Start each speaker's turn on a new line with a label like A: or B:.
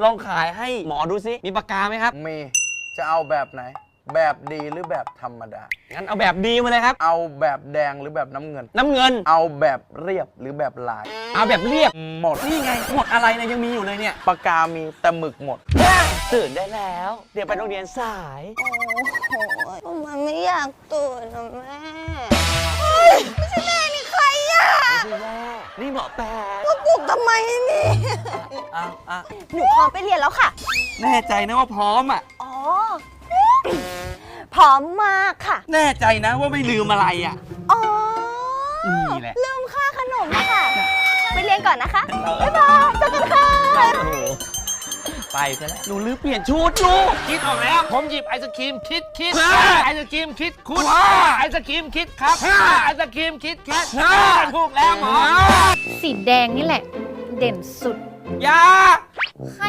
A: ลองขายให้หมอดูสิมีปากกาไหมครับ
B: มีจะเอาแบบไหนแบบดีหรือแบบธรรมดา
A: งั้นเอาแบบดีมาเลยครับ
B: เอาแบบแดงหรือแบบน้ำเงินเอาแบบเรียบหรือแบบลาย
A: เอาแบบเรียบ
B: หมด
A: นี่ไงหมดอะไรเนี่ยยังมีอยู่เลยเนี่ย
B: ปากกามีแต่หมึกหมด
A: ตื่นได้แล้วเดี๋ยวไปโรงเรียนสาย
C: โอ้โหมันไม่อยากตื่นนะแม่ไม่ใช่แม่นี่ใครอ่ะ
A: ไม่ใช่แม่นี่หมอแปะ
C: มาปลุกทำไมนี่หนูพร้อมไปเรียนแล้วค่ะ
A: แน่ใจนะว่าพร้อมอ่ะ
C: อ๋อพร้อมมากค่ะ
A: แน่ใจนะว่าไม่ลืมอะไรอ่ะ
C: อ๋อ
A: นี่แหละ
C: ลืมค่าขนมค่ะไปเรียนก่อนนะคะบ๊ายบายเจอกันค่ะ
A: ไปซะแล้วหนูลืมเปลี่ยนชุดลูก
D: คิดออกแล้วผมหยิบไอศครีมคิดไอศครีมคิดคุณไอศครีมคิดครับไอศครีมคิดแคทถูกแล้วหมอ
E: สีแดงนี่แหละเด่นสุด
A: ยา